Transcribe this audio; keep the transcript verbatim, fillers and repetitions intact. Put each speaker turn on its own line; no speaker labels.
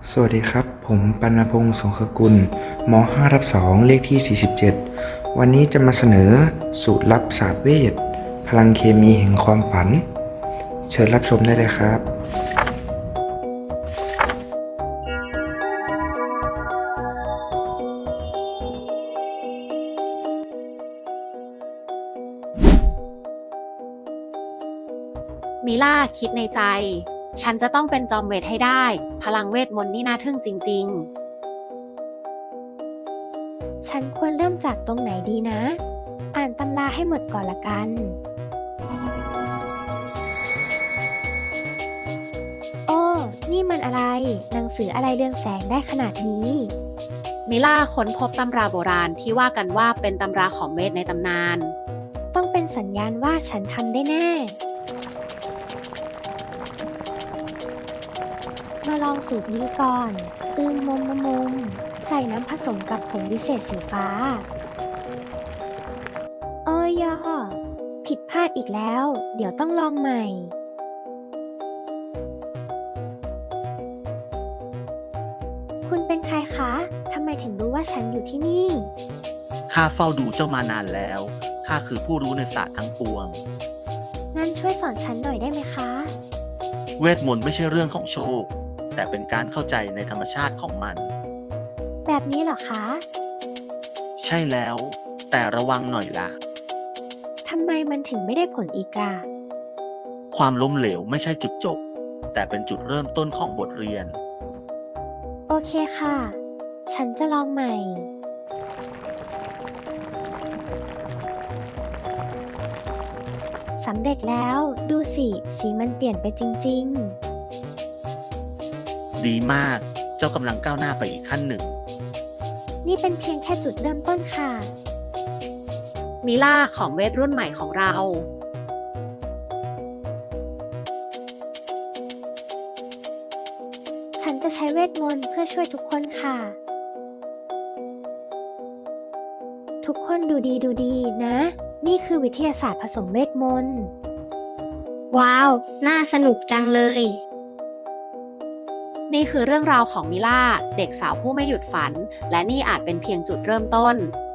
สวัสดีครับผมปัณพงษ์สงขกุลม ห้า ทับ สอง เลขที่ สี่สิบเจ็ด วันนี้จะมาเสนอสูตรลับศาสตร์เวทพลังเคมีแห่งความฝัน เชิญรับชมได้เลยครับ
มิล่าคิดในใจ ฉันจะต้องเป็นจอมเวทให้ได้ พลังเวทมนต์นี่น่าทึ่งจริง
ๆ ฉันควรเริ่มจากตรงไหนดีนะ อ่านตำราให้หมดก่อนละกัน โอ้ นี่มันอะไร หนังสืออะไรเรืองแสงได้ขนาดนี้
มิล่าค้นพบตำราโบราณที่ว่ากันว่าเป็นตำราของเวทในตำนาน
ต้องเป็นสัญญาณว่าฉันทำได้แน่ มาลองสูตรนี้ก่อน อืมมมมมมใส่น้ำผสมกับผงวิเศษสีฟ้า เอ้ยยอผิดพลาดอีกแล้ว เดี๋ยวต้องลองใหม่ คุณเป็นใครคะ ทำไมถึงรู้ว่าฉันอยู่ที่นี่
ข้าเฝ้าดูเจ้ามานานแล้ว ข้าคือผู้รู้ในศาสตร์ทั้งปวง
งั้นช่วยสอนฉันหน่อยได้ไหมคะ
เวทมนต์ไม่ใช่เรื่องของโชค แต่เป็นการเข้าใจในธรรมชาติของมัน
แบบนี้เหรอคะ
ใช่แล้ว แต่ระวังหน่อยล่ะ
ทำไมมันถึงไม่ได้ผลอีกล่ะ
ความล้มเหลวไม่ใช่จุดจบ แต่เป็นจุดเริ่มต้นของบทเรียน
โอเคค่ะ ฉันจะลองใหม่ สำเร็จแล้ว ดูสิ สีมันเปลี่ยนไปจริงๆ
ดีมาก เจ้ากำลังก้าวหน้าไปอีกขั้นหนึ่ง
นี่เป็นเพียงแค่จุดเริ่มต้นค่ะ
มิล่าของเวทรุ่นใหม่ของเรา
ฉันจะใช้เวทมนต์เพื่อช่วยทุกคนค่ะ ทุกคนดูดีดูดีนะ นี่คือวิทยาศาสตร์ผสมเวทมนต์
ว้าว น่าสนุกจังเลย
นี่คือเรื่องราวของมิล่า เด็กสาวผู้ไม่หยุดฝัน และนี่อาจเป็นเพียงจุดเริ่มต้น